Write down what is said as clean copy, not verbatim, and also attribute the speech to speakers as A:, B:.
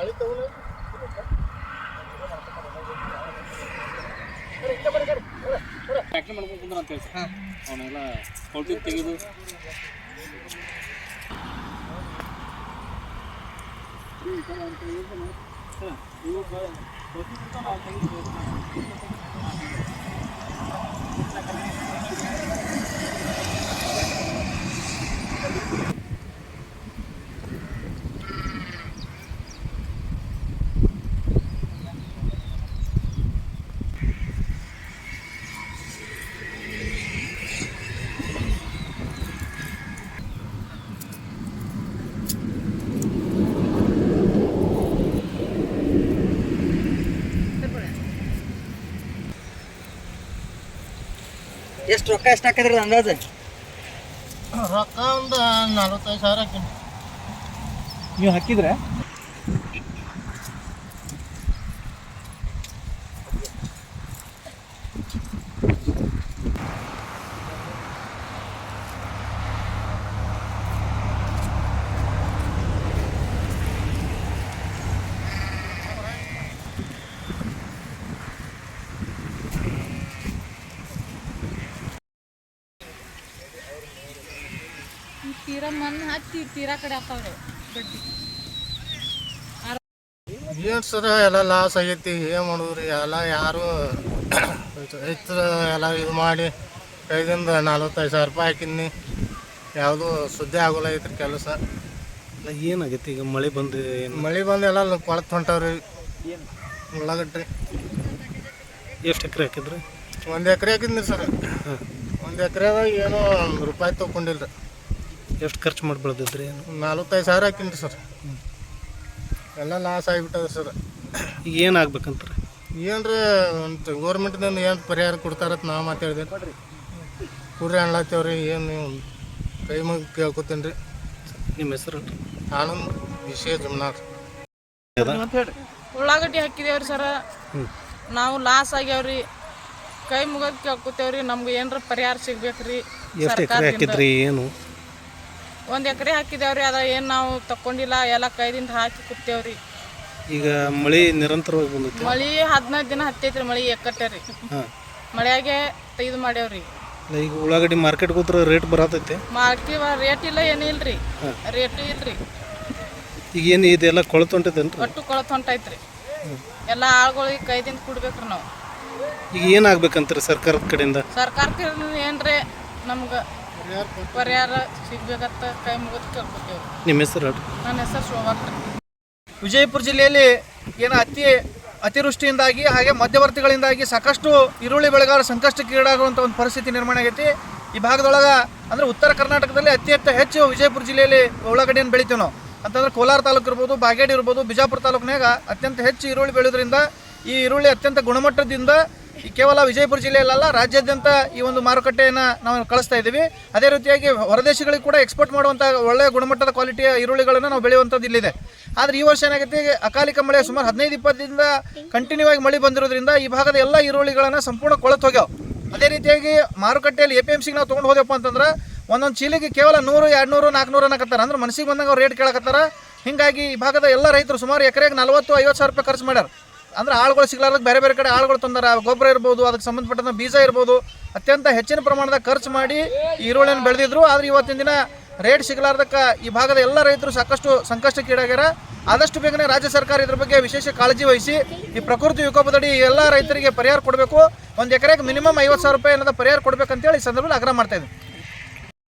A: Factory ಮಾಡ್ಕೊಂಡು ಕುಂದ್ರ ಅಂತ ಹೇಳಿ ಅವನ್ನೆಲ್ಲ ಹೊಲ್ಟಿ ತೆಗೆದು
B: ಎಷ್ಟು ರೊಕ್ಕ ಎಷ್ಟು ಹಾಕಿದ್ರಿ ಅಂದಾಜು?
C: ರೊಕ್ಕ ಒಂದು 45,000 ಹಾಕಿನಿ.
B: ನೀವು ಹಾಕಿದ್ರೆ
D: ತೀರಾ ಮಣ್ಣು ಹಚ್ಚಿ ತೀರಾ ಕಡೆ ಹಾಕವ್ರೆ ಬಡ್ಡಿ.
C: ಏನು ಸರ ಎಲ್ಲ ಲಾಸ್ ಆಗೈತಿ, ಏನು ಮಾಡಿದ್ರಿ ಎಲ್ಲ ಯಾರು ರೈತರು ಎಲ್ಲ ಇದು ಮಾಡಿ ಕೈದಿಂದ 45,000 ರೂಪಾಯಿ ಹಾಕಿನಿ, ಯಾವುದೂ ಸುದ್ದಿ ಆಗೋಲ್ಲ ಐತ್ರಿ ಕೆಲಸ.
E: ಏನಾಗೈತಿ ಈಗ ಮಳೆ ಬಂದು?
C: ಮಳೆ ಬಂದು ಎಲ್ಲ ಕೊಳತು ಹೊಂಟವ್ರಿ. ಉಳ್ಳಾಗಡ್ಡಿ
E: ಎಷ್ಟು ಎಕರೆ ಹಾಕಿದ್ರಿ?
C: 1 ಎಕರೆ ಹಾಕಿದ್ನಿ ಸರ್. 1 ಎಕರೆದಾಗ ಏನೋ ₹1 ತೊಗೊಂಡಿಲ್ಲ ರೀ.
E: ಎಷ್ಟು ಖರ್ಚು ಮಾಡಿ ಬೆಳೆದಿದ್ರಿ?
C: 45,000 ಹಾಕಿನಿ ರೀ ಸರ್. ಎಲ್ಲ ಲಾಸ್ ಆಗಿಬಿಟ್ಟದ ಸರ್.
E: ಈಗ ಏನಾಗ್ಬೇಕಂತಾರೆ?
C: ಏನ್ರಿ ಒಂದು ಗೌರ್ಮೆಂಟ್ದಿಂದ ಏನು ಪರಿಹಾರ ಕೊಡ್ತಾರತ್ ನಾವು ಮಾತಾಡಿದೆ ಕೂಡ್ರಿ ಅನ್ಲತ್ತೇವ್ರಿ. ಏನು ನೀವು ಕೈ ಮುಗಿ ಕೇಳ್ಕೊತೀನಿ ರೀ.
E: ನಿಮ್ಮ ಹೆಸರು?
C: ಆನಂದ್ ವಿಷಯ ಜಮ್ನಾಥ್.
D: ಉಳ್ಳಾಗಡ್ಡಿ ಹಾಕಿದೇವ್ರಿ ಸರ, ನಾವು ಲಾಸ್ ಆಗ್ಯಾವ್ರಿ. ಕೈ ಮುಗೋದು ಕೇಳ್ಕೊತೇವ್ರಿ, ನಮ್ಗೆ ಏನಾರ ಪರಿಹಾರ ಸಿಗ್ಬೇಕ್ರಿ.
E: ಎಷ್ಟು ಎಕರೆ ಹಾಕಿದ್ರಿ? ಏನು
D: 1 ಎಕರೆ ಹಾಕಿದೇವ್ರಿ, ಅದ ಏನು ನಾವು ತಕೊಂಡಿಲ್ಲ, ಎಲ್ಲ ಕೈದಿಂದ ಹಾಕಿ ಕೂತೇವ್ರಿ.
E: ಈಗ ಮಳೆ ನಿರಂತರವಾಗಿ ಬಂದೈತಿ?
D: ಮಳಿ 15 ದಿನ ಹತ್ತೈತ್ರಿ. ಮಳಿ ಎಕ್ಕಟ್ಟೆ ರೀ, ಮಳೆಯಾಗೆ ಇದು ಮಾಡ್ಯಾವ್ರಿ.
E: ಈಗ ಉಳ್ಳಾಗಡ್ಡಿ ಮಾರ್ಕೆಟ್ಗೆ ಹೋದ್ರೆ ರೇಟ್ ಬರತೈತಿ?
D: ಮಾರ್ಕೆಟ್ ರೇಟ್ ಇಲ್ಲ, ಏನಿಲ್ರಿ, ರೇಟು ಇಲ್ರಿ.
E: ಈಗ ಏನು ಇದೆಲ್ಲ ಕೊಳತು ಹೊಂಟೈತೇನ್ರಿ?
D: ಒಟ್ಟು ಕೊಳತು ಹೊಂಟೈತ್ರಿ. ಎಲ್ಲ ಆಳುಗಳಿಗೆ ಕೈದಿಂದ ಕುಡ್ಬೇಕ್ರಿ ನಾವು.
E: ಈಗ ಏನಾಗ್ಬೇಕಂತಾರೆ ಸರ್ಕಾರದ ಕಡೆಯಿಂದ?
D: ಸರ್ಕಾರಕ್ಕೆ ಏನ್ರಿ ನಮ್ಗೆ ಪರಿಹಾರ ಸಿಗ್ಬೇಕಂತ ಕೈ ಮುಗಿದು ಕೇಳ್ಕೊತೇವೆ.
E: ನಿಮ್ಮ ಹೆಸರು?
D: ನನ್ನ ಹೆಸರು ಶೋಭಾಕ್ರಿ.
B: ವಿಜಯಪುರ ಜಿಲ್ಲೆಯಲ್ಲಿ ಏನು ಅತಿವೃಷ್ಟಿಯಿಂದಾಗಿ ಹಾಗೆ ಮಧ್ಯವರ್ತಿಗಳಿಂದಾಗಿ ಸಾಕಷ್ಟು ಈರುಳ್ಳಿ ಬೆಳೆಗಾರ ಸಂಕಷ್ಟಕ್ಕೀಡಾಗುವಂಥ ಒಂದು ಪರಿಸ್ಥಿತಿ ನಿರ್ಮಾಣ ಆಗೈತಿ ಈ ಭಾಗದೊಳಗೆ. ಅಂದರೆ ಉತ್ತರ ಕರ್ನಾಟಕದಲ್ಲಿ ಹೆಚ್ಚು ವಿಜಯಪುರ ಜಿಲ್ಲೆಯಲ್ಲಿ ಉಳ್ಳಾಗಡ್ಡಿಯನ್ನು ಬೆಳಿತೀವಿ ನಾವು. ಅಂತಂದ್ರೆ ಕೋಲಾರ ತಾಲೂಕು ಇರ್ಬೋದು, ಬಾಗೇಡಿ ಇರ್ಬೋದು, ಬಿಜಾಪುರ ತಾಲೂಕಿನಾಗ ಅತ್ಯಂತ ಹೆಚ್ಚು ಈರುಳ್ಳಿ ಬೆಳೆಯೋದ್ರಿಂದ ಈ ಈರುಳ್ಳಿ ಅತ್ಯಂತ ಗುಣಮಟ್ಟದಿಂದ ಕೇವಲ ವಿಜಯಪುರ ಜಿಲ್ಲೆಯಲ್ಲ ರಾಜ್ಯಾದ್ಯಂತ ಈ ಒಂದು ಮಾರುಕಟ್ಟೆಯನ್ನು ನಾವು ಕಳಿಸ್ತಾ ಇದ್ದೀವಿ. ಅದೇ ರೀತಿಯಾಗಿ ಹೊರದೇಶಗಳಿಗೆ ಕೂಡ ಎಕ್ಸ್ಪೋರ್ಟ್ ಮಾಡುವಂಥ ಒಳ್ಳೆಯ ಗುಣಮಟ್ಟದ ಕ್ವಾಲಿಟಿಯ ಈರುಳ್ಳಿಗಳನ್ನು ನಾವು ಬೆಳೆಯುವಂಥದ್ದು ಇಲ್ಲಿದೆ. ಆದರೆ ಈ ವರ್ಷ ಏನಾಗುತ್ತೆ, ಅಕಾಲಿಕ ಮಳೆ ಸುಮಾರು 15-20 ದಿನದಿಂದ ಕಂಟಿನ್ಯೂ ಆಗಿ ಮಳೆ ಬಂದಿರೋದ್ರಿಂದ ಈ ಭಾಗದ ಎಲ್ಲ ಈರುಳ್ಳಿಗಳನ್ನು ಸಂಪೂರ್ಣ ಕೊಳತು ಹೋಗ್ಯಾವ. ಅದೇ ರೀತಿಯಾಗಿ ಮಾರುಕಟ್ಟೆಯಲ್ಲಿ APMCಗೆ ನಾವು ತೊಗೊಂಡು ಹೋದೆಪ್ಪ ಅಂತಂದ್ರೆ ಒಂದೊಂದು ಚೀಲಿಗೆ ಕೇವಲ 100, 200, 400 ಅನ್ನಕತ್ತಾರೆ. ಅಂದ್ರೆ ಮನಸ್ಸಿಗೆ ಬಂದಾಗ ಅವ್ರು ರೇಟ್ ಕೇಳಕತ್ತಾರ. ಹೀಗಾಗಿ ಈ ಭಾಗದ ಎಲ್ಲ ರೈತರು ಸುಮಾರು ಎಕರೆಗೆ 40-50 ಸಾವಿರ ರೂಪಾಯಿ ಖರ್ಚು ಮಾಡ್ಯಾರ. ಅಂದ್ರೆ ಆಳುಗಳು ಸಿಗ್ಲಾರ್ದಕ್ಕೆ ಬೇರೆ ಬೇರೆ ಕಡೆ ಆಳುಗಳು ತಂದಾರ. ಗೊಬ್ಬರ ಇರ್ಬೋದು, ಅದಕ್ಕೆ ಸಂಬಂಧಪಟ್ಟಂಥ ಬೀಜ ಇರ್ಬೋದು, ಅತ್ಯಂತ ಹೆಚ್ಚಿನ ಪ್ರಮಾಣದ ಖರ್ಚು ಮಾಡಿ ಈರುಳ್ಳಿಯನ್ನು ಬೆಳೆದಿದ್ರು. ಆದರೆ ಇವತ್ತಿನ ದಿನ ರೇಟ್ ಸಿಗಲಾರ್ದಕ್ಕೆ ಈ ಭಾಗದ ಎಲ್ಲ ರೈತರು ಸಾಕಷ್ಟು ಸಂಕಷ್ಟಕ್ಕೀಡಾಗ್ಯಾರ. ಆದಷ್ಟು ಬೇಗನೆ ರಾಜ್ಯ ಸರ್ಕಾರ ಇದ್ರ ಬಗ್ಗೆ ವಿಶೇಷ ಕಾಳಜಿ ವಹಿಸಿ ಈ ಪ್ರಕೃತಿ ವಿಕೋಪದಡಿ ಎಲ್ಲ ರೈತರಿಗೆ ಪರಿಹಾರ ಕೊಡಬೇಕು. 1 ಎಕರೆಗೆ ಮಿನಿಮಮ್ 50,000 ರೂಪಾಯಿ ಅನ್ನೋದು ಪರಿಹಾರ ಕೊಡಬೇಕಂತೇಳಿ ಈ ಸಂದರ್ಭದಲ್ಲಿ ಆಗ್ರಹ ಮಾಡ್ತಾ ಇದ್ದೀನಿ.